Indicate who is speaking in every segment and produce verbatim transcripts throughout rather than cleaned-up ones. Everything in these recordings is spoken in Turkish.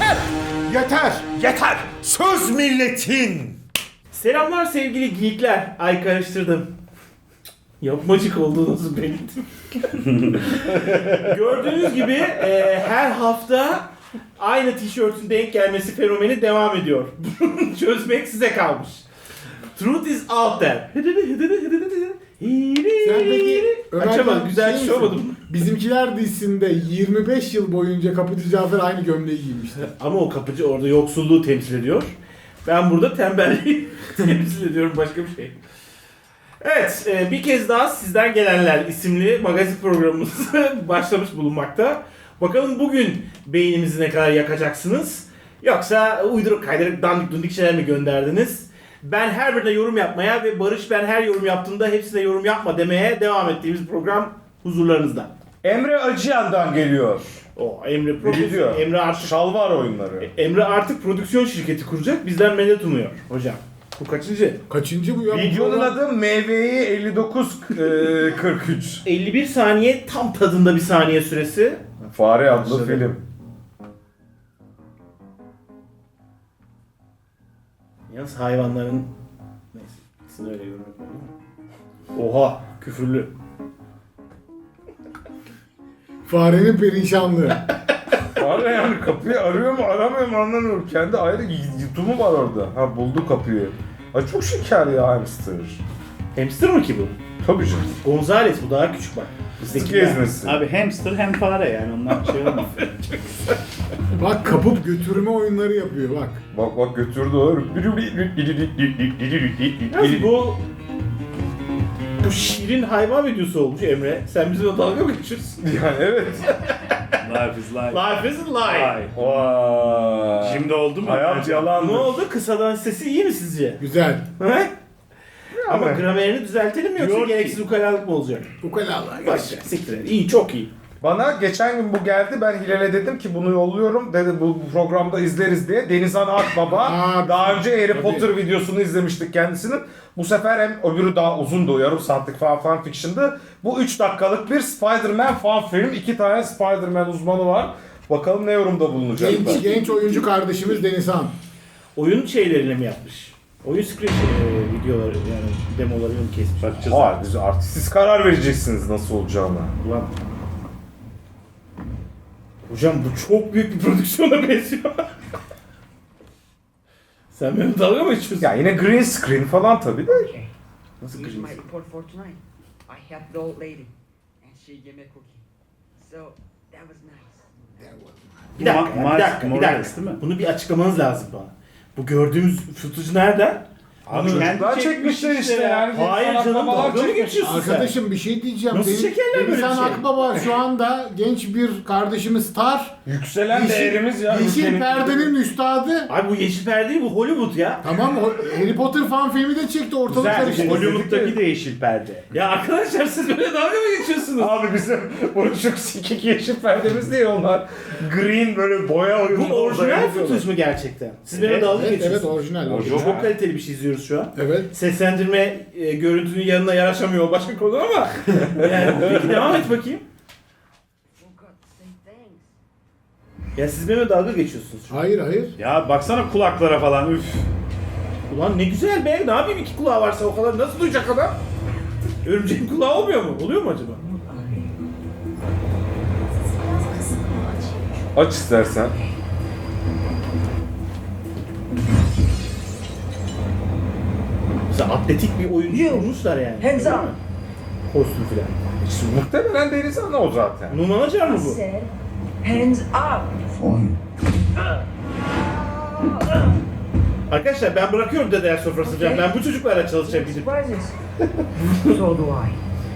Speaker 1: Yeter! Yeter!
Speaker 2: Yeter! Söz milletin!
Speaker 3: Selamlar sevgili geekler. Ay karıştırdım. Yapmacık olduğunuzu belirttim. Gördüğünüz gibi e, her hafta aynı tişörtün denk gelmesi fenomeni devam ediyor. Çözmek size kalmış. Truth is out there.
Speaker 1: Sen peki
Speaker 3: Açamadım, güzel
Speaker 1: şey
Speaker 3: şey
Speaker 1: misin?
Speaker 3: olmadım.
Speaker 1: Bizimkiler dizisinde yirmi beş yıl boyunca Kapıcı Cafer aynı gömleği giymişti.
Speaker 3: Ama o kapıcı orada yoksulluğu temsil ediyor. Ben burada tembelliği temsil ediyorum, başka bir şey. Evet, e, bir kez daha Sizden Gelenler isimli magazin programımız başlamış bulunmakta. Bakalım bugün beynimizi ne kadar yakacaksınız? Yoksa uyduruk kaydırıp dandik dundik şeyler mi gönderdiniz? Ben her birine yorum yapmaya ve Barış ben her yorum yaptığımda hepsine yorum yapma demeye devam ettiğimiz program huzurlarınızda.
Speaker 2: Emre Acıyan'dan geliyor.
Speaker 3: O Emre
Speaker 2: Ne
Speaker 3: prodüksiyon,
Speaker 2: diyor?
Speaker 3: Emre artık
Speaker 2: Şalvar oyunları.
Speaker 3: Emre artık prodüksiyon şirketi kuracak. Bizden medet umuyor hocam. Bu kaçıncı?
Speaker 1: Kaçıncı bu ya?
Speaker 2: Videonun adı M V I elli dokuz kırk üç.
Speaker 3: elli bir saniye tam tadında bir saniye süresi.
Speaker 2: Fare adlı
Speaker 3: Başladı.
Speaker 2: film.
Speaker 3: Yalnız hayvanların... Neyse. İkisini öyle yorum yapalım. Oha! Küfürlü.
Speaker 1: Farenin perişanlığı.
Speaker 2: Fare yani kapıyı arıyor mu aramıyor mu anlamıyorum. Kendi ayrı yutumu var orada. Ha buldu kapıyı. Ay çok şeker ya hamster.
Speaker 3: Hamster mı ki bu?
Speaker 2: Tabii canım.
Speaker 3: Gonzales bu daha küçük bak.
Speaker 2: Sık
Speaker 3: Bizdekiler.
Speaker 2: gezmesi.
Speaker 4: Abi hamster hem fare yani onlar bir şey olmaz.
Speaker 1: Bak kapıp götürme oyunları yapıyor bak.
Speaker 2: Bak bak götürdü o.
Speaker 3: Yalnız bu... Bu şirin hayvan videosu olmuş Emre. Sen bizimle dalga mı geçiyorsun?
Speaker 2: Yani evet.
Speaker 4: Life is life.
Speaker 3: Life is life.
Speaker 4: Life.
Speaker 2: Vay.
Speaker 4: Şimdi oldu mu?
Speaker 2: Hayat yalandır.
Speaker 3: Ne oldu? Kısadan sesi iyi mi sizce?
Speaker 1: Güzel.
Speaker 3: He? Ama
Speaker 2: Yani.
Speaker 3: gramerini düzeltelim mi yoksa
Speaker 4: Diyor ki-
Speaker 3: gereksiz ukalalık mı olacak?
Speaker 1: Ukalalar.
Speaker 3: Bak siktir et. İyi, çok iyi.
Speaker 2: Bana geçen gün bu geldi. Ben Hilal'e dedim ki bunu yolluyorum. Dedi bu programda izleriz diye. Denizhan Akbaba.
Speaker 1: Aa,
Speaker 2: daha önce Harry
Speaker 1: tabii.
Speaker 2: Potter videosunu izlemiştik kendisinin. Bu sefer hem öbürü daha uzundu. Yarım saatlik falan fan fiction'dı. Bu üç dakikalık bir Spider-Man fan film. İki tane Spider-Man uzmanı var. Bakalım ne yorumda bulunacaklar.
Speaker 1: Genç, genç oyuncu kardeşimiz Denizhan.
Speaker 3: Oyun şeylerini mi yapmış? Oyun script e, videoları yani demolarını mı kesmiş?
Speaker 4: Bakacağız.
Speaker 2: Hayır, biz artık siz karar vereceksiniz nasıl olacağına.
Speaker 3: Ulan. Hocam bu çok büyük bir prodüksiyona benziyor. Sen benim dalga mı geçiyorsun?
Speaker 2: Ya yine green screen falan tabii de.
Speaker 3: Nasıl
Speaker 5: Here's my
Speaker 3: kırmızı?
Speaker 5: report for tonight. I helped the old lady, and she gave me a cookie. So that was nice.
Speaker 3: Bir dakika,
Speaker 4: Ma-
Speaker 3: ya, bir dakika, bir
Speaker 4: Morales
Speaker 3: dakika.
Speaker 4: değil mi?
Speaker 3: Bunu bir açıklamanız lazım bana. Bu gördüğümüz footage nereden?
Speaker 2: Abi
Speaker 3: Bunu-
Speaker 2: çocuklar çekmişler işte yani.
Speaker 3: Hayır
Speaker 2: Denizhan
Speaker 3: canım,
Speaker 2: Akbabalar
Speaker 3: dalga mı
Speaker 2: çekmiş.
Speaker 3: geçiyorsun sen?
Speaker 1: Arkadaşım bir şey diyeceğim.
Speaker 3: Nasıl
Speaker 1: Deniz-
Speaker 3: çekerler böyle bir
Speaker 1: Denizhan
Speaker 3: şey?
Speaker 1: Akbaba şu anda genç bir kardeşimiz star.
Speaker 2: Yükselen değerimiz ya.
Speaker 1: Yeşil
Speaker 2: ülkenin-
Speaker 1: perdenin üstadı.
Speaker 3: Abi bu yeşil perde değil, bu Hollywood ya.
Speaker 1: Tamam o- Harry Potter fan filmi de çekti ortalık
Speaker 3: Güzel,
Speaker 1: karıştı.
Speaker 4: Hollywood'daki de yeşil perde.
Speaker 3: Ya arkadaşlar siz böyle dalga mı geçiyorsunuz?
Speaker 2: Abi bizim buruşuk sikik yeşil perdemiz değil onlar. Green böyle boya oyunu.
Speaker 3: Bu orijinal footage mu gerçekten? Siz benimle dalga
Speaker 1: Evet, evet
Speaker 3: geçiyorsunuz.
Speaker 1: orijinal.
Speaker 2: Orijinal.
Speaker 3: Çok kaliteli bir şey izliyoruz şu an.
Speaker 1: Evet.
Speaker 3: Seslendirme e, görüntünün yanına yaraşamıyor, o başka konu ama yani peki devam et bakayım.
Speaker 5: Forgot to say thanks.
Speaker 3: Ya siz benimle dalga geçiyorsunuz şu an.
Speaker 1: Hayır hayır.
Speaker 4: Ya baksana kulaklara falan üf.
Speaker 3: Ulan ne güzel be, ne yapayım iki kulağı varsa o kadar nasıl duyacak adam? Örümceğin kulağı olmuyor mu? Oluyor mu acaba?
Speaker 2: Aç istersen.
Speaker 3: Mesela atletik bir oyuncu bulmuşlar yani.
Speaker 5: Hands up.
Speaker 3: Kostüm filan.
Speaker 2: İşte muhtemelen Denizhan o zaten.
Speaker 3: Numan Acar mı
Speaker 5: I
Speaker 3: bu?
Speaker 5: said, hands up.
Speaker 3: Arkadaşlar ben bırakıyorum dedeler sofrası falan. Ben bu çocuklarla çalışacağım gidip.
Speaker 5: Surprises. So do I.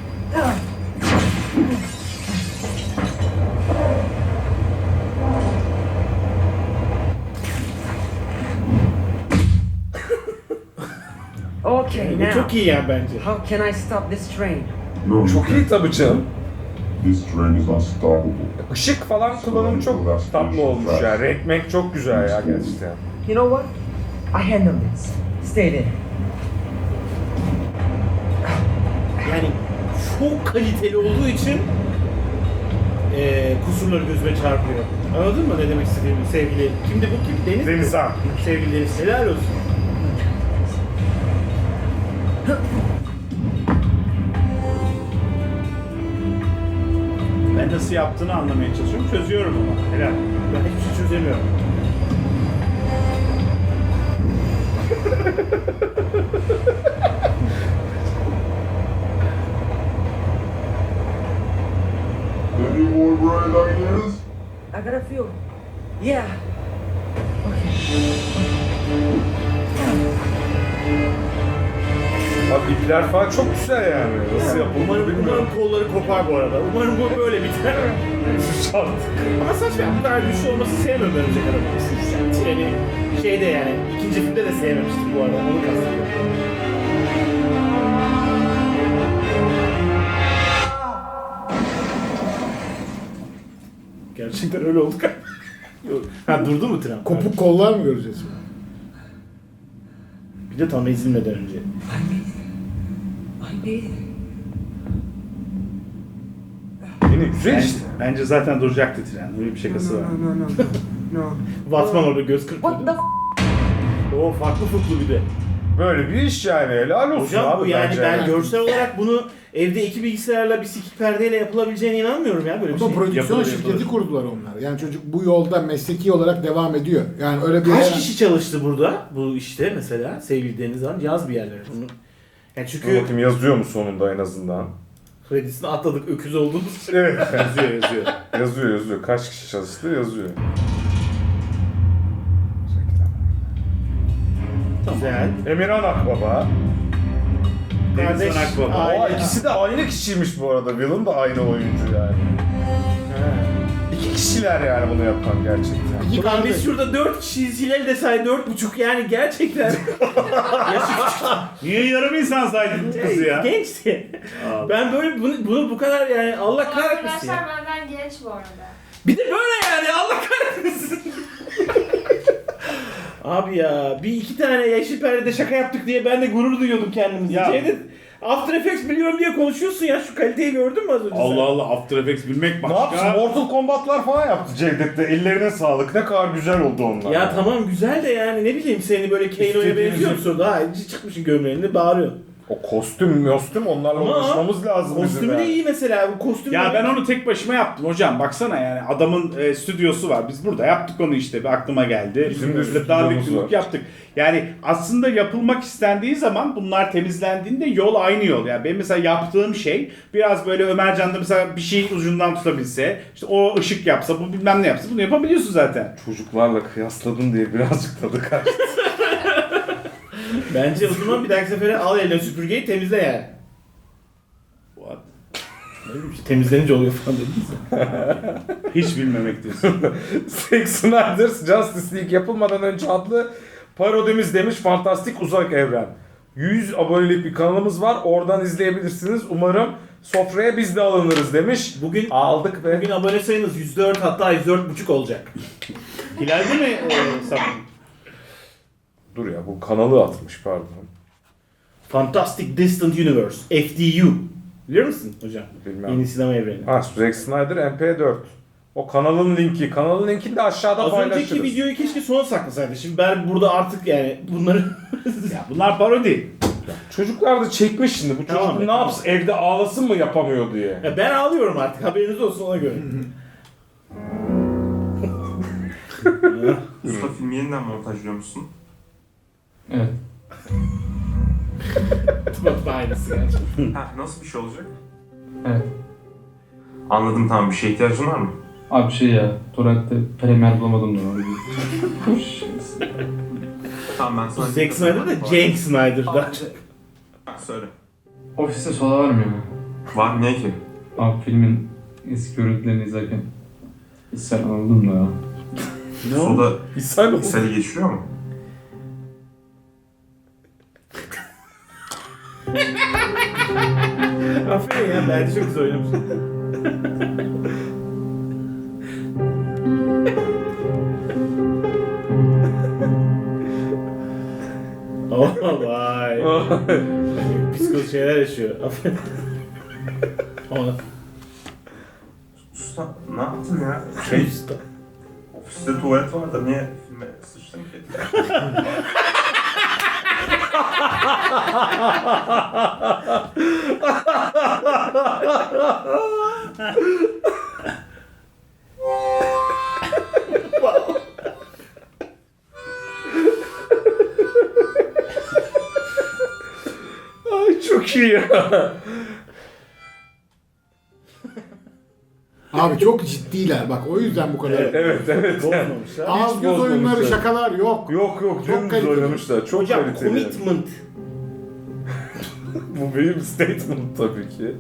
Speaker 5: Okay,
Speaker 3: Bu
Speaker 5: now,
Speaker 3: çok iyi yani bence.
Speaker 5: how can I stop this train?
Speaker 6: No, you
Speaker 2: Çok iyi
Speaker 6: can't.
Speaker 2: tabii canım.
Speaker 6: This train is unstoppable.
Speaker 2: Işık falan kullanımı çok tatlı olmuş ya. Renk menk çok güzel ya gerçekten.
Speaker 5: You know what? I handle this. Stay there.
Speaker 3: Yani çok kaliteli olduğu için eee kusurları gözüme çarpıyor. Anladın mı ne demek istediğimi sevgili? Kimdi bu kim? Deniz mi?
Speaker 2: Denizhan.
Speaker 3: Sevgili Deniz. Helal olsun.
Speaker 4: Ben nasıl yaptığını anlamaya çalışıyorum. Çözüyorum ama. Helal.
Speaker 3: Ben hiçbir şey çözemiyorum.
Speaker 6: Any more bright ideas?
Speaker 5: I got a few. Yeah.
Speaker 2: Abi ipler falan çok güzel yani. Nasıl yapıldı
Speaker 3: Umarım,
Speaker 2: bilmiyorum.
Speaker 3: umarım kolları kopar bu arada. Umarım bu böyle biter.
Speaker 2: Şart.
Speaker 3: Ama saçma bu kadar güçlü olması sevmiyorum ben Örümcek Adam'ı. Yani treni şeyde yani ikinci filmde de sevmemiştim bu arada. Onu kastediyorum. Gerçekten öyle oldu galiba. Yok. Ha durdu mu tren?
Speaker 1: Kopuk kollar mı göreceğiz?
Speaker 3: Bir de tam ezilmeden önce.
Speaker 5: I did it.
Speaker 2: Yine güzel
Speaker 4: Bence,
Speaker 2: işte.
Speaker 4: bence zaten duracaktı tren. Öyle bir şakası var.
Speaker 1: No, no, no, no.
Speaker 3: Batman orada göz kırpıyor.
Speaker 5: What the f-
Speaker 3: O farklı fıklı bir de.
Speaker 2: Böyle bir iş yani. Helal olsun
Speaker 3: Hocam
Speaker 2: abi
Speaker 3: bu yani
Speaker 2: bence.
Speaker 3: ben görsel olarak bunu evde iki bilgisayarla bir sikik perdeyle yapılabileceğine inanmıyorum ya böyle bir
Speaker 1: Ama
Speaker 3: şey.
Speaker 1: prodüksiyon
Speaker 3: Yapılır,
Speaker 1: şirketi
Speaker 3: yapılır.
Speaker 1: kurdular onlar. Yani çocuk bu yolda mesleki olarak devam ediyor. Yani öyle bir...
Speaker 3: Kaç kişi çalıştı burada bu işte mesela sevgili Deniz Hanım? Yaz bir yerlere bunu. Yani
Speaker 2: Dur
Speaker 3: çünkü
Speaker 2: bakayım yazıyor mu sonunda en azından?
Speaker 3: kredisini atladık öküz olduğumuz için.
Speaker 2: Evet.
Speaker 4: Yazıyor yazıyor.
Speaker 2: yazıyor yazıyor. Kaç kişi çalıştı yazıyor.
Speaker 3: Güzel.
Speaker 2: Emirhan Akbaba.
Speaker 3: Kardeş,
Speaker 4: Denizhan Akbaba.
Speaker 3: aile-
Speaker 2: O ikisi de aynı kişiymiş bu arada. Villain da aynı oyuncu yani.
Speaker 3: Ha.
Speaker 2: İki kişiler yani bunu yapan gerçekten.
Speaker 1: İki
Speaker 3: Ulan
Speaker 1: kardeş.
Speaker 3: biz şurada dört kişiyiz. Hilal de say dört buçuk yani gerçekten. Yaşı
Speaker 4: Niye yarım insan saydın kızı ya?
Speaker 3: gençti.
Speaker 4: Allah.
Speaker 3: Ben böyle bunu, bunu bu kadar yani Allah
Speaker 7: Bu
Speaker 3: kahretmesin ya.
Speaker 7: arkadaşlar benden genç bu arada.
Speaker 3: Bir de böyle yani Allah kahretmesin. Abi ya bir iki tane yeşil perdede şaka yaptık diye ben de gurur duyuyordum kendimizi.
Speaker 4: Ya.
Speaker 3: Cevdet, After Effects biliyorum diye konuşuyorsun ya şu kaliteyi gördün mü az önce sen?
Speaker 4: Allah Allah, After Effects bilmek
Speaker 2: Ne
Speaker 4: başka.
Speaker 2: yapsın? Mortal Kombat'lar falan yaptı Cevdet'te. Ellerine sağlık. Ne kadar güzel oldu onlar.
Speaker 3: Ya tamam güzel de yani ne bileyim seni böyle Kano'ya
Speaker 2: İstediğiniz-
Speaker 3: benziyor musun? Daha çıkmışsın gömleğinde bağırıyor.
Speaker 2: O kostüm, kostüm onlarla
Speaker 3: Ama
Speaker 2: uğraşmamız lazım bizim
Speaker 3: Kostümü
Speaker 2: ya.
Speaker 3: de iyi mesela bu kostümü.
Speaker 4: Ya ben onu tek başıma yaptım hocam. Baksana yani adamın e, stüdyosu var. Biz burada yaptık onu işte. Bir aklıma geldi.
Speaker 2: Bizim de
Speaker 4: Böyle
Speaker 2: stüdyomuz
Speaker 4: darlık
Speaker 2: var.
Speaker 4: yumruk yaptık. Yani aslında yapılmak istendiği zaman bunlar temizlendiğinde yol aynı yol. Yani benim mesela yaptığım şey biraz böyle Ömercan'da mesela bir şey ucundan tutabilse, işte o ışık yapsa, bu bilmem ne yapsa bunu yapabiliyorsun zaten.
Speaker 2: Çocuklarla kıyasladın diye birazcık tadı kaçtı.
Speaker 3: Bence o zaman bir dahaki sefere al eline süpürgeyi temizle yani.
Speaker 4: What?
Speaker 3: Ne bileyim işte temizlenince oluyor falan dediniz ya.
Speaker 4: Hiç bilmemektesin.
Speaker 2: Zack Snyder's Justice League yapılmadan önce adlı parodimiz demiş Fantastik Uzak Evren. yüz abonelik bir kanalımız var. Oradan izleyebilirsiniz. Umarım sofraya biz de alınırız demiş.
Speaker 3: Bugün
Speaker 2: Aldık ve
Speaker 3: bugün abone sayınız yüz dört hatta yüz dört buçuk olacak.
Speaker 4: Hilal'de mi e, sapın?
Speaker 2: dur ya bu kanalı atmış pardon.
Speaker 3: Fantastic Distant Universe, F D U. Biliyor musun hocam?
Speaker 2: Bilmem.
Speaker 3: Yeni sinema evreni.
Speaker 2: Ha Zack Snyder M P dört. O kanalın linki. Kanalın linkini de aşağıda
Speaker 3: Az
Speaker 2: paylaşırız.
Speaker 3: önceki videoyu keşke sona saklasaydı. Şimdi ben burada artık yani bunları...
Speaker 4: Ya bunlar parodi.
Speaker 2: Çocuklar da çekmiş şimdi. Bu
Speaker 3: Tamam
Speaker 2: çocuk
Speaker 3: be,
Speaker 2: ne
Speaker 3: tamam.
Speaker 2: yapsın? Evde ağlasın mı yapamıyor diye.
Speaker 3: Ya ben ağlıyorum artık haberiniz olsun ona göre.
Speaker 8: Usta filmi yeniden montajlıyor musun?
Speaker 9: Evet.
Speaker 3: Bak aynısı gerçekten.
Speaker 8: Ha, nasıl bir şey olacak?
Speaker 9: Evet.
Speaker 8: Anladım, tamam, bir şeye ihtiyacın var mı?
Speaker 9: Abi şey ya, Torrent'te Premier bulamadım da onu.
Speaker 8: Tamam, ben sana...
Speaker 3: Zack Snyder da Cenk Snyder'da.
Speaker 8: Ha, söyle.
Speaker 9: Ofiste soda var mı ya?
Speaker 8: Var, niye ki?
Speaker 9: Abi filmin eski görüntülerini izlerken sen anladım da ya.
Speaker 3: Ne oldu?
Speaker 8: Soda
Speaker 2: İshal oldu.
Speaker 8: ishali geçiriyor mu?
Speaker 3: Aferin ya bence çok güzel oynamışsın. Oh vay. Psikoz şeyler yaşıyor. Aferin. Ona.
Speaker 8: Usta, ne yaptın ya?
Speaker 3: Şey usta.
Speaker 8: Sizde tuvalet var da niye filme sıçtın ki?
Speaker 2: Ay çok iyi ya.
Speaker 1: Abi çok ciddiler bak o yüzden bu kadar.
Speaker 2: Evet evet.
Speaker 3: Bozmamışlar.
Speaker 1: Ağız göz oyunları
Speaker 2: bozmamışlar.
Speaker 1: şakalar yok.
Speaker 2: Yok yok
Speaker 1: Çok
Speaker 2: dümdüz
Speaker 1: kaliteli.
Speaker 2: oynamışlar. Çok
Speaker 3: Hocam
Speaker 2: kaliteli.
Speaker 3: commitment.
Speaker 2: Bu benim statement tabii ki.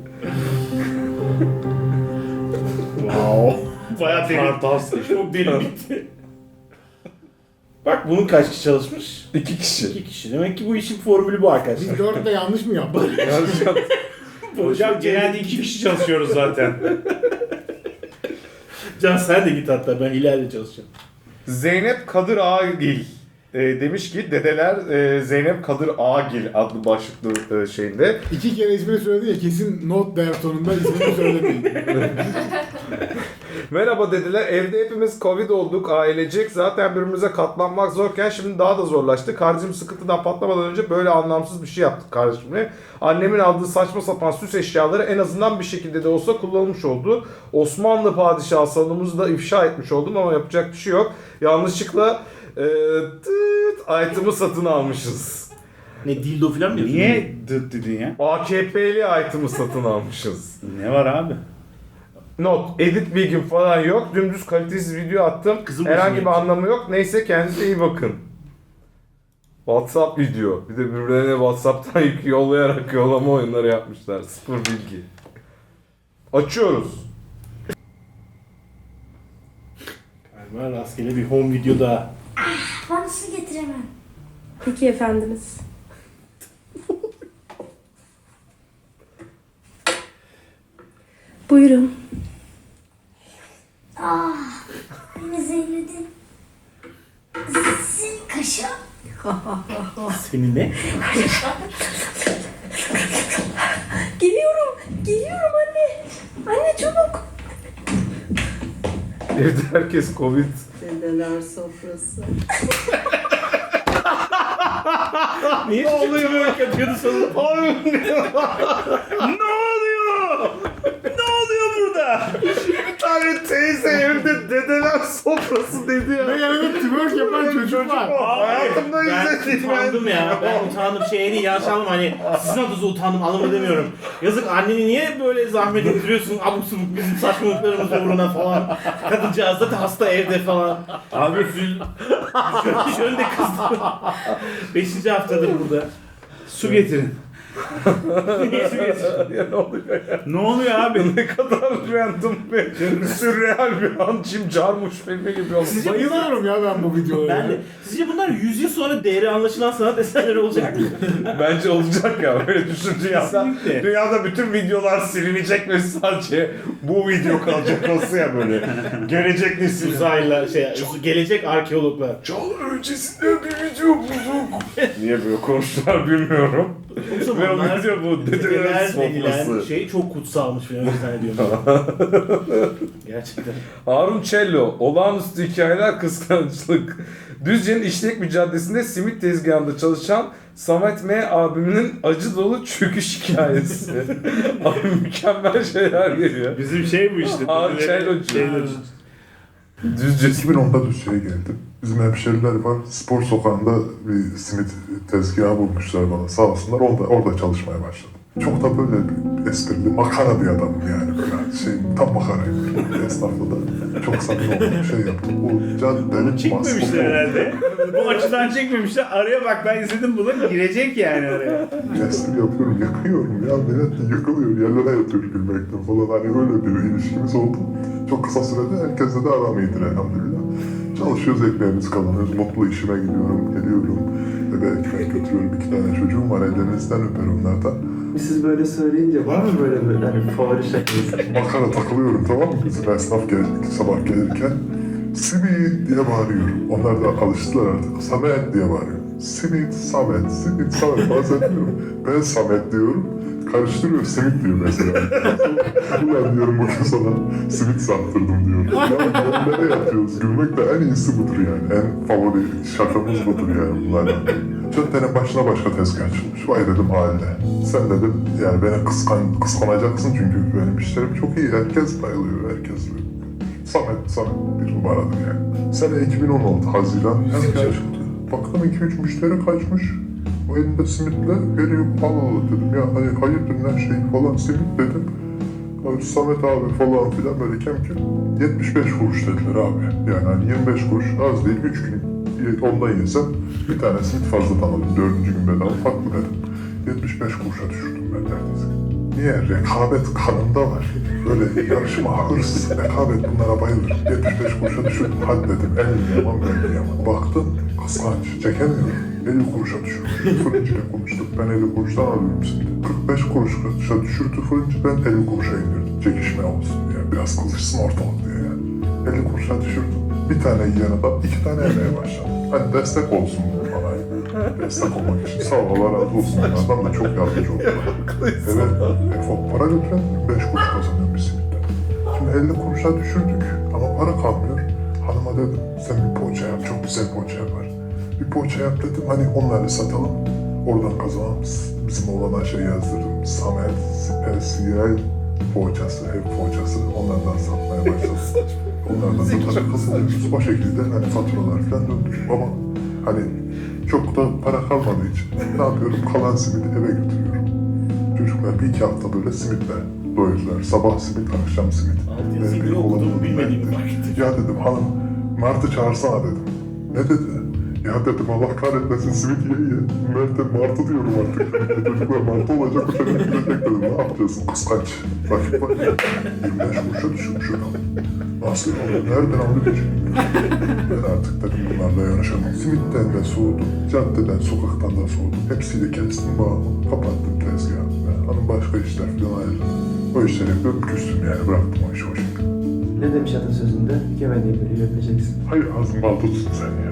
Speaker 3: Wow. Bayağı derin.
Speaker 2: Fantastik.
Speaker 3: Çok derin bitti. Bak bunun kaç kişi çalışmış?
Speaker 2: İki kişi.
Speaker 3: İki kişi. Demek ki bu işin formülü bu arkadaşlar.
Speaker 1: Biz dörtte yanlış mı yaptık?
Speaker 2: Yanlış yaptım.
Speaker 4: Hocam genelde iki kişi çalışıyoruz zaten.
Speaker 3: Can sen de git hatta ben ileride çalışacağım.
Speaker 2: Zeynep Kadır Ağgil e, demiş ki dedeler e, Zeynep Kadır Ağgil adlı başlıklı e, şeyinde.
Speaker 1: İki kere ismini söyledi ya kesin not der sonunda ismini söylemeyin.
Speaker 2: Merhaba dediler. Evde hepimiz Covid olduk ailecek. Zaten birbirimize katlanmak zorken şimdi daha da zorlaştı. Kardeşim sıkıntıdan patlamadan önce böyle anlamsız bir şey yaptık kardeşimle. Annemin aldığı saçma sapan süs eşyaları en azından bir şekilde de olsa kullanılmış oldu. Osmanlı padişahı salonumuzu da ifşa etmiş oldum ama yapacak bir şey yok. Yanlışlıkla e, tıt, item'ı satın almışız.
Speaker 3: Ne dildo falan mı diyorsun?
Speaker 4: Niye dıt dedin ya?
Speaker 2: A K P'li item'ı satın almışız.
Speaker 4: Ne var abi?
Speaker 2: Not, edit bilgim falan yok. Dümdüz kalitesiz video attım.
Speaker 3: Kızım
Speaker 2: Herhangi
Speaker 3: başına
Speaker 2: bir anlamı yok. Neyse kendinize iyi bakın. WhatsApp video. Bir de birbirlerine WhatsApp'tan yük yollayarak yollama oyunları yapmışlar. Sıfır bilgi. Açıyoruz.
Speaker 3: Galiba rastgele bir home video daha.
Speaker 7: Ben su getiremem.
Speaker 10: Peki efendimiz. Buyurun.
Speaker 7: Ah, beni zehirledin. Senin kaşın.
Speaker 3: Senin ne?
Speaker 10: Geliyorum. Geliyorum anne. Anne çabuk.
Speaker 2: Evde herkes Covid.
Speaker 10: Dedeler sofrası.
Speaker 3: Niye ne oluyor böyle yapıyordu sonra?
Speaker 4: Ne oluyor? Ne oluyor burada?
Speaker 2: Bir tane teyze evde dedeler sofrası dedi ya.
Speaker 1: Ve yanında twerk yapan çocuk var.
Speaker 2: Hayatımda
Speaker 3: Ben
Speaker 2: izledim
Speaker 3: utandım ya. Ben utandım. Şey değil yanlış anlama hani sizin adınıza utandım anlamı demiyorum. Yazık anneni niye böyle zahmet ettiriyorsun abuk subuk bizim saçmalıklarımız uğruna falan. Kadıncağız da hasta evde falan. Abi üzül. Şöyle de kızdım. Beşinci haftadır burada.
Speaker 4: Su getirin.
Speaker 3: Niye su getiriyorsun?
Speaker 2: Ya ne oluyor ya?
Speaker 4: Ne oluyor abi?
Speaker 2: Ne kadar random ve sürreal bir an Jim Jarmusch filmi gibi olmuş.
Speaker 3: Sizce
Speaker 1: Bayılıyorum ya ben bu videolara.
Speaker 3: Ben de. Sizce bunlar yüz yıl sonra değeri anlaşılan sanat eserleri olacak mı?
Speaker 2: Bence olacak ya böyle düşün dünyada.
Speaker 4: Kesinlikle.
Speaker 2: Dünyada bütün videolar silinecek ve sadece bu video kalacak olsa ya böyle. Gelecek nesil.
Speaker 3: Uzayla şey, gelecek arkeologlar.
Speaker 2: Çağlar öncesinde bir video bulduk. Niye böyle konuştular bilmiyorum.
Speaker 3: O
Speaker 2: Ve o
Speaker 3: zamanlar
Speaker 2: video bu dedeler
Speaker 3: dedeler denilen
Speaker 2: sofrası.
Speaker 3: şey çok kutsalmış falan öyle zannediyorum. Gerçekten.
Speaker 2: Harun Cello, olağanüstü hikayeler kıskançlık. Düzce'nin İşlek bir caddesinde simit tezgahında çalışan Samet M. abiminin acı dolu çöküş hikayesi. Abi mükemmel şeyler geliyor.
Speaker 4: Bizim şey bu işte.
Speaker 2: Harun Cello'cu.
Speaker 4: Cello'cu.
Speaker 2: Düzce
Speaker 6: iki bin onda Düzce'ye geldim. Bizim hemşeriler var. Spor sokağında bir simit tezgahı bulmuşlar bana. Sağ olsunlar. Orada, orada çalışmaya başladım. Çok da böyle bir esprili, makara bir adamım yani. Böyle şey, tam makarayım. Esnafla da çok samimi oldum. Şey yaptım. O caddenin
Speaker 4: Çekmemişler herhalde. Bu açıdan çekmemişler. Araya bak ben izledim bunu. Girecek yani araya.
Speaker 6: Espri yapıyorum, yakıyorum ya. Millet yıkılıyor, yerlere yatıyor gülmekten falan. Hani öyle bir ilişkimiz oldu. Çok kısa sürede herkesle de aram iyidir elhamdülillah. Çalışıyoruz, ekmeğimizi kazanıyoruz. Mutlu işime gidiyorum, geliyorum. Eve ekmek götürüyorum. İki tane çocuğum var, ellerinizden öper onlardan.
Speaker 9: Siz böyle söyleyince var mı böyle böyle hani favori şakası?
Speaker 6: Makara takılıyorum, tamam mı? Bizim esnaf geldik sabah gelirken. Simit diye bağırıyorum. Onlar da alıştılar artık. Samet diye bağırıyor. Simit, Samet, Simit, Samet. Bazen diyorum. Ben Samet diyorum. karıştırıyor, simit diyor mesela. Ulan diyorum bugün sana simit sattırdım diyorum. Ya nereye yatıyoruz? Gülmek de en iyisi budur yani. En favori şakamız budur yani bunlardan. Caddenin başına başka tezgah açılmış. Vay dedim haline. Sen dedim yani beni kıskan, kıskanacaksın çünkü benim işlerim çok iyi. Herkes bayılıyor, herkes Samet, Samet bir numaradır yani. Sene iki bin on altı Haziran tezgah açıldı. Baktım iki üç müşteri kaçmış. O elinde simitle veriyor. Allah Allah dedim ya hani hayırdır ne şey falan simit dedim. Abi Samet abi falan filan böyle kem kem. yetmiş beş kuruş dediler abi. Yani hani yirmi beş kuruş az değil. üç gün ondan yesem bir tane simit fazladan alırım. Dördüncü gün bedava farklı dedim. yetmiş beş kuruşa düşürdüm ben neredeyse. Niye? Rekabet kanımda var. Böyle yarışma, hırs, rekabet bunlara bayılır. yetmiş beş kuruşa düşürdüm. Hadi dedim en yaman ben yaman. Baktım kıskanç, çekemiyorum. elli kuruşa düşürdüm. Fırıncıyla konuştuk. Ben elli kuruştan alıyorum şimdi. kırk beş kuruşa düşürdü fırıncı. Ben elli kuruşa indirdim. Çekişme olsun diye. Biraz kızışsın ortalık diye yani. elli kuruşa düşürdüm. Bir tane yiyene de iki tane yemeye başladım. Hani destek olsun bana. Destek olmak için. Sağ ol, Allah razı olsun. Onlardan da çok yardımcı oldular. Evet, e, para götüren beş kuruş kazanıyorum bir simitten. Şimdi elli kuruşa düşürdük ama para kalmıyor. Hanıma dedim, sen bir poğaça yap, çok güzel poğaça yapar. Bir poğaça yap dedim, hani onları satalım, oradan kazanalım. Bizim oğlana şey yazdırdım, Samet Spesiyel poğaçası, ev poğaçası, onlardan satmaya başladım. Onlardan satarak kazanıyoruz. O şekilde hani faturalar falan döndük ama hani çok da para kalmadığı için ne yapıyorum? Kalan simidi eve götürüyorum. Çocuklar bir iki hafta böyle simitle doyurdular. Sabah simit, akşam simit.
Speaker 3: Alt yazıyı okudum, bilmediğim bir vakit.
Speaker 6: Ya dedim hanım, Mart'ı çağırsana dedim. Ne dedi? Ya dedim Allah kahretmesin simit ye ye. Mert'e Mart'ı diyorum artık. Çocuklar Mart'ı olacak, bu sene gidecek dedim. Ne yapacaksın kıskanç? Rakip var. yirmi beş kuruşa düşürmüş adam. Nasıl oldu? Nereden aldı hiç bilmiyorum. Ben artık dedim bunlarla yarışamam. Simitten de soğudum. Caddeden, sokaktan da soğudum. Hepsiyle kestim bağımı. Kapattım tezgahı. Hanım başka işler falan ayrıldı. O işleri yapıyorum, küstüm yani. Bıraktım o işi o şekilde.
Speaker 11: Ne demiş atasözünde? Yemediğin biri öpeceksin.
Speaker 6: Hayır ağzın bal tutsun sen ya.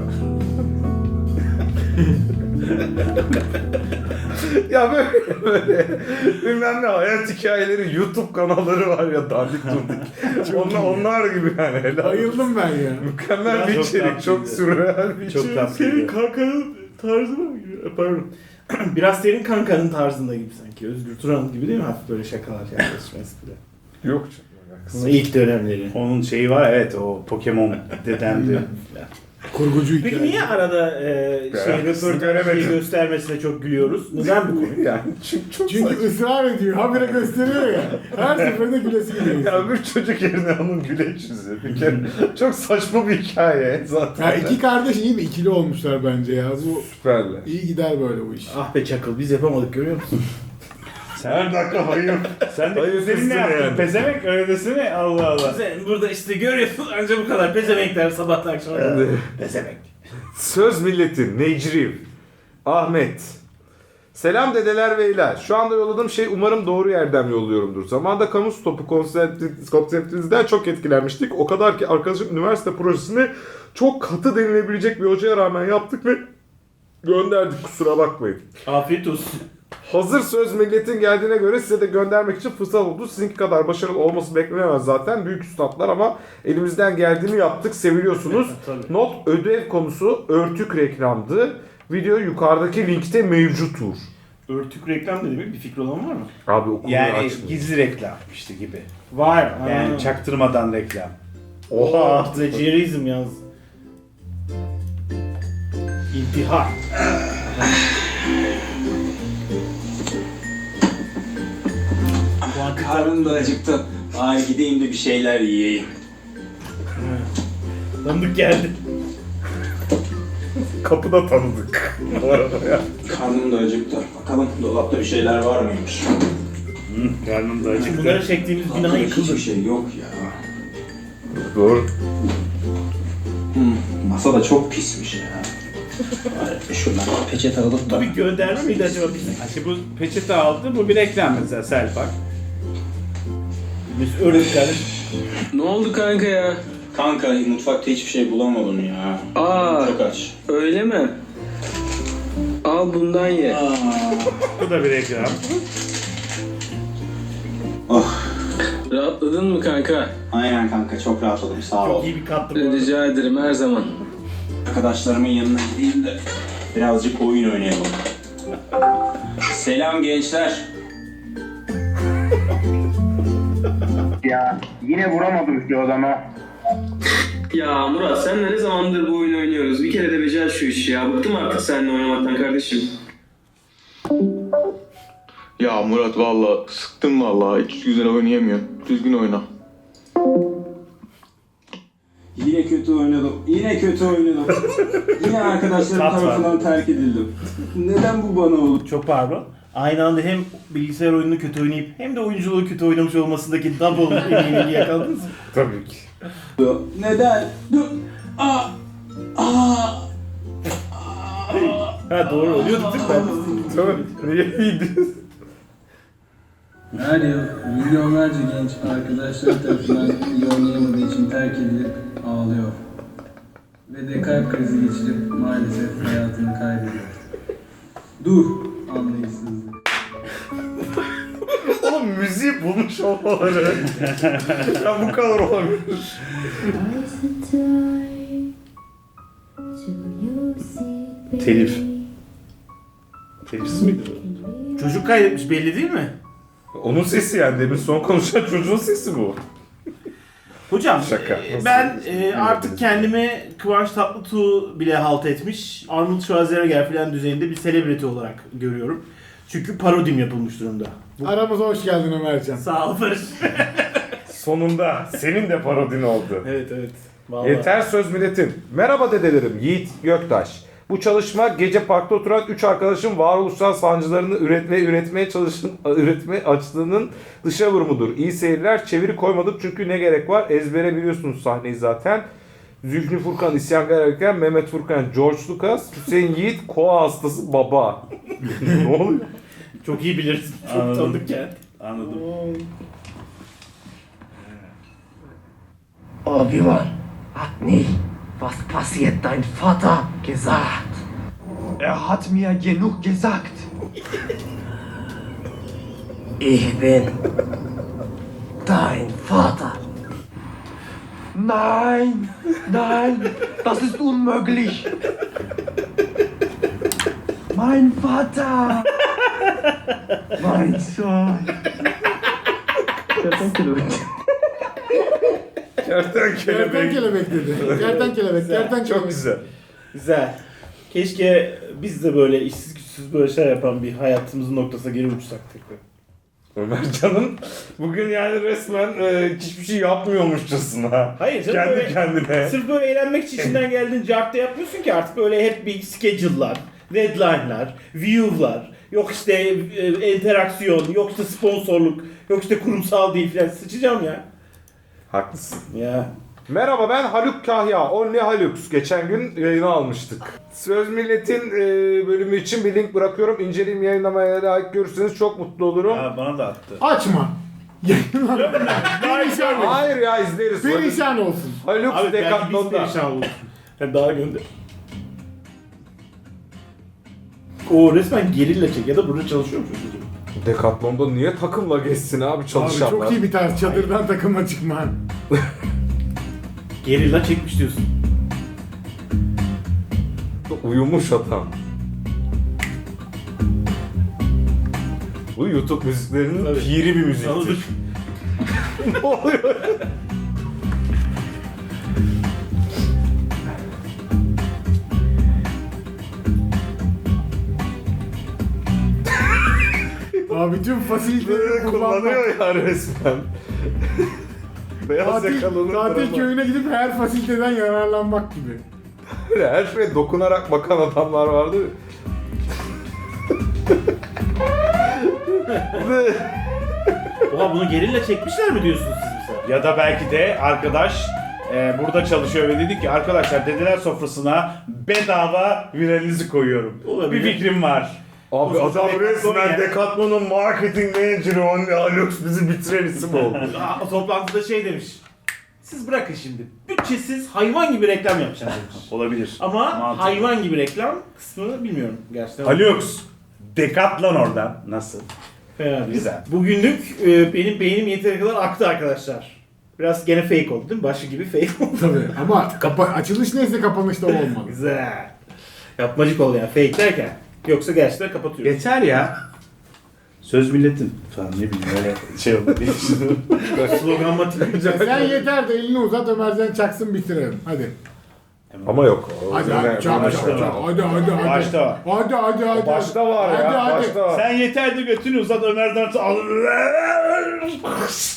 Speaker 2: Ya böyle böyle bilmem ne hayat hikayeleri YouTube kanalları var ya dandik dundik. onlar, onlar gibi yani. Helal.
Speaker 1: Bayıldım ben ya.
Speaker 2: Mükemmel
Speaker 3: Ya
Speaker 2: bir
Speaker 3: çok
Speaker 2: içerik.
Speaker 3: tatlıydı.
Speaker 2: Çok sürreal bir
Speaker 3: Çok
Speaker 2: içerik.
Speaker 3: tatlıydı.
Speaker 2: Senin
Speaker 3: kankanın tarzına mı giriyor? Pardon. Biraz senin kankanın tarzında gibi sanki. Özgür Turan gibi değil mi? Hafif böyle şakalar yaklaşma espri.
Speaker 2: Yok canım.
Speaker 3: Bunun ilk dönemleri.
Speaker 4: Onun şeyi var evet o Pokemon dedemdi.
Speaker 1: Kurgucu hikaye.
Speaker 3: Peki niye arada e, şey
Speaker 2: Ya,
Speaker 3: röportajı göstermesine çok gülüyoruz? Neden bu konu?
Speaker 2: Yani çünkü çok
Speaker 1: Çünkü
Speaker 2: saçma.
Speaker 1: ısrar ediyor. Habire gösteriyor ya. Her seferinde gülesi geliyor.
Speaker 2: Ya öbür çocuk yerine onun güleç yüzü. Bir kere çok saçma bir hikaye zaten.
Speaker 1: Ya iki kardeş iyi bir ikili olmuşlar bence ya. Bu
Speaker 2: Süperler.
Speaker 1: iyi gider böyle bu iş.
Speaker 3: Ah be Çakıl biz yapamadık görüyor musun?
Speaker 2: Her dakika hayır.
Speaker 4: Sen de
Speaker 2: Hayır,
Speaker 4: güzelin ne
Speaker 2: kızsın
Speaker 4: yaptın?
Speaker 2: yani.
Speaker 4: Pezevenk öyle desene Allah Allah.
Speaker 3: Sen burada işte görüyorsun ancak bu kadar pezevenkler sabahtan akşama kadar.
Speaker 2: Evet.
Speaker 3: Pezevenk.
Speaker 2: Söz milletin Necriv Ahmet. Selam dedeler beyler. Şu anda yolladığım şey umarım doğru yerden yolluyorumdur. Zamanında kamu stopu konsepti- konseptinizden çok etkilenmiştik. O kadar ki arkadaşım üniversite projesini çok katı denilebilecek bir hocaya rağmen yaptık ve gönderdik, kusura bakmayın.
Speaker 3: Afiyet olsun.
Speaker 2: Hazır söz milletin geldiğine göre size de göndermek için fırsat oldu. Sizinki kadar başarılı olması beklenemez zaten. Büyük üstadlar ama elimizden geldiğini yaptık. Seviliyorsunuz.
Speaker 3: Tabii.
Speaker 2: Not ödev konusu örtük reklamdı. Video yukarıdaki linkte mevcuttur.
Speaker 3: Örtük reklam ne demek? Bir fikri olan var mı?
Speaker 2: Abi okulu
Speaker 4: Yani
Speaker 2: açmıyor.
Speaker 4: gizli reklam işte gibi.
Speaker 3: Var.
Speaker 4: Yani
Speaker 3: Aa.
Speaker 4: çaktırmadan reklam.
Speaker 3: Oha. Plagiarizm yalnız. İntihar.
Speaker 12: Karnım da acıktı. Ay gideyim de bir şeyler yiyeyim.
Speaker 3: Tanıdık geldi.
Speaker 2: Kapıda tanıdık. Bu arada ya.
Speaker 12: Karnım da acıktı. Bakalım dolapta bir şeyler var mıymış?
Speaker 4: Hı, karnım da acıktı.
Speaker 3: Bunları çektiğimiz bina
Speaker 12: Dolapta
Speaker 3: yıkıldı.
Speaker 12: hiçbir şey yok ya.
Speaker 2: Doğru.
Speaker 12: Hmm, masa da çok pismiş ya. Bari şuradan peçete alıp da...
Speaker 3: Bu bir gönderme miydi acaba bize?
Speaker 4: İşte bu peçete aldı, bu bir reklam mesela Selpak.
Speaker 3: Biz öyle kardeş.
Speaker 12: Ne oldu kanka ya? Kanka mutfakta hiçbir şey bulamadım ya. Aa, çok aç. Öyle mi? Al bundan ye.
Speaker 4: Bu da bir reklam.
Speaker 12: Rahatladın mı kanka?
Speaker 13: Aynen kanka, çok rahatladım, sağ ol.
Speaker 3: Çok iyi bir kattı bu arada.
Speaker 12: Rica ederim, her zaman.
Speaker 13: Arkadaşlarımın yanına gideyim de birazcık oyun oynayalım. Selam gençler.
Speaker 8: Ya yine vuramadım şu adama.
Speaker 12: Ya Murat, senle ne zamandır bu oyunu oynuyoruz? Bir kere de becer şu işi ya. Bıktım artık seninle oynamaktan kardeşim.
Speaker 14: Ya Murat valla sıktın valla, hiç güzel oynayamıyorum. Düzgün oyna.
Speaker 13: Yine kötü oynadım, yine kötü oynadım. Yine arkadaşlarım
Speaker 3: Tat var.
Speaker 13: tarafından terk edildim. Neden bu bana oldu?
Speaker 3: Çok pardon. Aynı anda hem bilgisayar oyununu kötü oynayıp hem de oyunculuğu kötü oynamış olmasındaki double emeğini yakaladınız mı?
Speaker 2: Tabii ki.
Speaker 13: Neden? Dur. Aa. Aa.
Speaker 3: Ha doğru oluyordu değil mi?
Speaker 2: Tabii. Neydi?
Speaker 12: Her yıl milyonlarca genç arkadaşları tarafından iyi oynayamadığı için terk edilip ağlıyor. Ve de kalp krizi geçirip maalesef hayatını kaybediyor. Dur anlayışsızlık.
Speaker 2: Oğlum müziği bulmuş olmaları. Ya bu kadar olabilir.
Speaker 3: Telif. Telifsiz miydi bu? Çocuk kaydetmiş belli değil mi?
Speaker 2: Onun sesi yani, demin son konuşan çocuğun sesi bu.
Speaker 3: Hocam
Speaker 2: Şaka.
Speaker 3: e, ben e, artık kendimi Kıvanç Tatlıtuğ bile halt etmiş, Arnold Schwarzenegger falan düzeyinde bir celebrity olarak görüyorum. Çünkü parodim yapılmış durumda. Bu...
Speaker 1: Aramıza hoş geldin Ömercan.
Speaker 3: Sağ ol Barış.
Speaker 2: Sonunda senin de parodin oldu.
Speaker 3: Evet evet. Vallahi.
Speaker 2: Yeter söz milletin. Merhaba dedelerim, Yiğit Göktaş. Bu çalışma gece parkta oturan üç arkadaşın varoluşsal sancılarını üretmeye üretmeye çalışın üretme açlığının dışa vurumudur. İyi seyirler. Çeviri koymadım çünkü ne gerek var? Ezbere biliyorsunuz sahneyi zaten. Zülfü Furkan isyankar erken, Mehmet Furkan George Lucas, Hüseyin Yiğit koa hastası baba. Ne oluyor?
Speaker 3: Çok iyi biliriz. Çok
Speaker 4: Anladım.
Speaker 3: tanıdık yani.
Speaker 4: Anladım.
Speaker 5: Obi-Wan hat nicht, was passiert dein Vater gesagt.
Speaker 11: Er hat mir genug gesagt.
Speaker 5: Ich bin dein Vater.
Speaker 11: Nein, nein, das ist unmöglich. Mein Vater. Mein Sohn.
Speaker 2: Kerten
Speaker 1: Kerten
Speaker 2: kelebek.
Speaker 1: kelebek dedi. Kerten kelebek, kerten
Speaker 2: Çok
Speaker 1: kelebek.
Speaker 2: güzel.
Speaker 3: Güzel. Keşke biz de böyle işsiz güçsüz böyle şeyler yapan bir hayatımızın noktasına geri uçsak tekrar.
Speaker 2: Ömercan'ın bugün yani resmen e, hiçbir şey yapmıyormuşçasına.
Speaker 3: Hayır canım,
Speaker 2: Kendi
Speaker 3: böyle-
Speaker 2: kendine.
Speaker 3: Sırf böyle eğlenmek için içinden geldiğin cartta yapmıyorsun ki artık böyle hep bir schedule'lar, deadline'lar, view'lar, yok işte e, interaksiyon, yok işte sponsorluk, yok işte kurumsal değil falan, sıçacağım ya.
Speaker 2: Haklısın.
Speaker 3: Ya.
Speaker 2: Merhaba, ben Haluk Kahya. Only Halux. Geçen gün yayına almıştık. Söz Millet'in e, bölümü için bir link bırakıyorum. İnceleyim, yayınlamaya layık görürseniz çok mutlu olurum.
Speaker 4: Ha, bana da attı.
Speaker 1: Açma. Perişan olsun.
Speaker 2: Hayır ya, izleriz.
Speaker 1: Perişan olsun.
Speaker 2: Haluk
Speaker 3: Abi belki biz
Speaker 2: Decathlon'da.
Speaker 3: perişan oluruz. Hep daha gönder. O resmen gerilla çek ya da burada çalışıyor mu çocuk?
Speaker 2: Decathlon'da niye takımla geçsin abi
Speaker 1: Abi
Speaker 2: çalışanlar?
Speaker 1: çok iyi bir tarz. Çadırdan takıma çıkma.
Speaker 3: Gerilla çekmiş diyorsun.
Speaker 2: Uyumuş adam. Bu YouTube müziklerinin
Speaker 3: Tabii.
Speaker 2: piri bir müziktir.
Speaker 3: Anladık.
Speaker 2: Ne oluyor?
Speaker 1: Abi tüm fasiliteleri
Speaker 2: Böyle
Speaker 1: kullanmak.
Speaker 2: kullanıyor ya resmen. Beyaz
Speaker 1: Tatil,
Speaker 2: yakalının
Speaker 1: tatil
Speaker 2: tarafı.
Speaker 1: köyüne gidip her fasiliteden yararlanmak gibi.
Speaker 2: Böyle her şeye dokunarak bakan adamlar vardı.
Speaker 3: Oha bunu gerilla çekmişler mi diyorsunuz siz mesela?
Speaker 4: Ya da belki de arkadaş e, burada çalışıyor ve dedi ki arkadaşlar dedeler sofrasına bedava viralinizi koyuyorum.
Speaker 3: Olabilir.
Speaker 4: Bir fikrim var.
Speaker 2: Abi
Speaker 3: O zaman
Speaker 2: adam
Speaker 3: Decathlon
Speaker 2: resmen
Speaker 3: ya.
Speaker 2: Decathlon'un marketing manager'ı Only Halux bizi bitiren isim oldu.
Speaker 3: Aa, toplantıda şey demiş. Siz bırakın şimdi. Bütçesiz hayvan gibi reklam yapacağım demiş.
Speaker 4: Olabilir.
Speaker 3: Ama
Speaker 4: Mantıklı.
Speaker 3: hayvan gibi reklam kısmını bilmiyorum gerçekten.
Speaker 4: Halux. Decathlon oradan. Nasıl?
Speaker 3: Fena değil.
Speaker 4: Güzel.
Speaker 3: Bugünlük e, benim beynim yeteri kadar aktı arkadaşlar. Biraz gene fake oldu değil mi? Başı gibi fake oldu.
Speaker 1: Tabii ama kapa açılış neyse kapanış da o olmalı.
Speaker 3: Güzel. Yapmacık oldu yani fake derken. Yoksa gerçekten kapatıyoruz.
Speaker 4: Geçer ya. Söz milletin falan ne bileyim öyle şey oldu diye düşünüyorum.
Speaker 3: Slogan matik.
Speaker 1: Sen yeter de elini uzat Ömercan çaksın bitirelim. Hadi.
Speaker 2: Ama yok.
Speaker 1: Hadi hadi çak
Speaker 3: başta
Speaker 1: çak çak.
Speaker 3: var.
Speaker 1: Hadi hadi hadi.
Speaker 4: Başta var.
Speaker 1: Hadi hadi hadi.
Speaker 2: Başta var
Speaker 1: hadi,
Speaker 2: ya.
Speaker 1: Hadi.
Speaker 2: Başta var.
Speaker 4: Sen yeter de götünü uzat Ömer'den al.